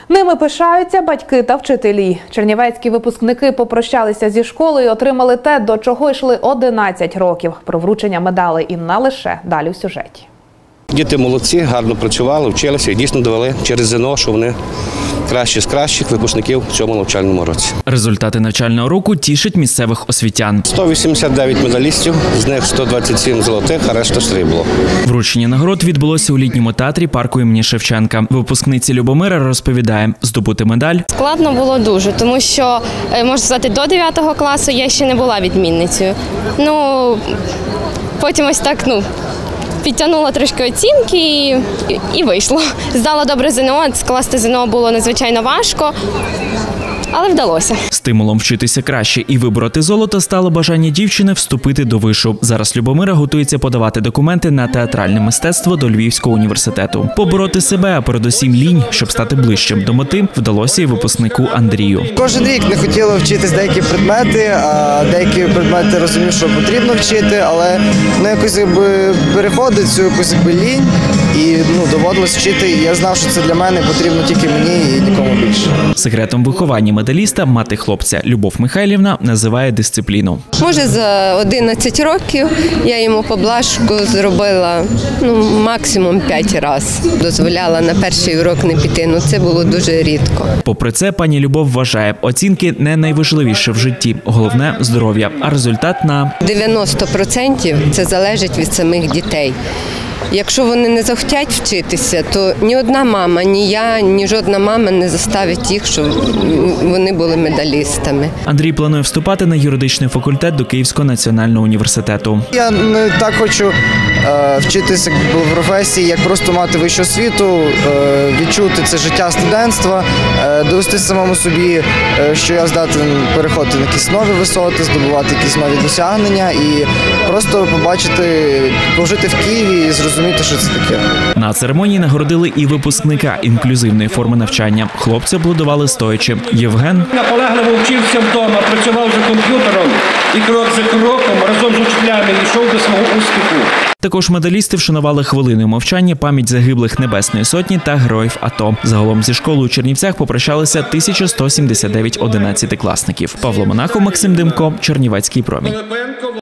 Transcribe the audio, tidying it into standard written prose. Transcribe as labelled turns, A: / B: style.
A: Ними пишаються батьки та вчителі. Чернівецькі випускники попрощалися зі школою і отримали те, до чого йшли 11 років. Про вручення медалей і не лише далі в сюжеті.
B: Діти молодці, гарно працювали, вчилися і дійсно довели через ЗНО, що вони кращі з кращих випускників в цьому навчальному році.
C: Результати навчального року тішать місцевих освітян.
B: 189 медалістів, з них 127 золотих, а решта срібло.
C: Вручення нагород відбулося у літньому театрі парку імені Шевченка. Випускниця Любомира розповідає, здобути медаль
D: складно було дуже, тому що, можна сказати, до 9 класу я ще не була відмінницею. Потім ось так, підтягнула трошки оцінки і вийшло. Здала добре ЗНО, скласти ЗНО було надзвичайно важко, але вдалося.
C: Стимулом вчитися краще і вибороти золото стало бажання дівчини вступити до вишу. Зараз Любомира готується подавати документи на театральне мистецтво до Львівського університету. Побороти себе, а передусім лінь, щоб стати ближчим до мети, вдалося і випускнику Андрію.
E: Кожен рік не хотіла вчитись деякі предмети, а деякі предмети розумів, що потрібно вчити, але якось переходить цю якусь лінь і доводилось вчити. І я знав, що це для мене потрібно тільки мені і нікому більше.
C: Секретом виховання медаліста мати хлопця Любов Михайлівна називає дисципліну.
F: Може, за 11 років я йому поблажку зробила максимум 5 разів. Дозволяла на перший урок не піти, це було дуже рідко.
C: Попри це, пані Любов вважає, оцінки не найважливіше в житті, головне – здоров'я, а результат на
F: 90% це залежить від самих дітей. Якщо вони не захотять вчитися, то ні одна мама, ні я, ні жодна мама не заставить їх, щоб вони були медалістами.
C: Андрій планує вступати на юридичний факультет до Київського національного університету.
E: Я не так хочу вчитися в професії, як просто мати вищу освіту, відчути це життя студентства, довести самому собі, що я здатен переходити на якісь нові висоти, здобувати якісь нові досягнення і просто побачити, пожити в Києві і зрозуміти, що це таке.
C: На церемонії нагородили і випускника інклюзивної форми навчання. Хлопці аплодували стоячи. Євген
G: наполегливо вчився вдома, працював за комп'ютером і крок за кроком разом з учителями йшов до свого успіху.
C: Також медалісти вшанували хвилиною мовчання пам'ять загиблих Небесної Сотні та героїв АТО. Загалом зі школою у Чернівцях попрощалися 1179 11-класників. Павло Монахов, Максим Демко, Чернівецький промінь.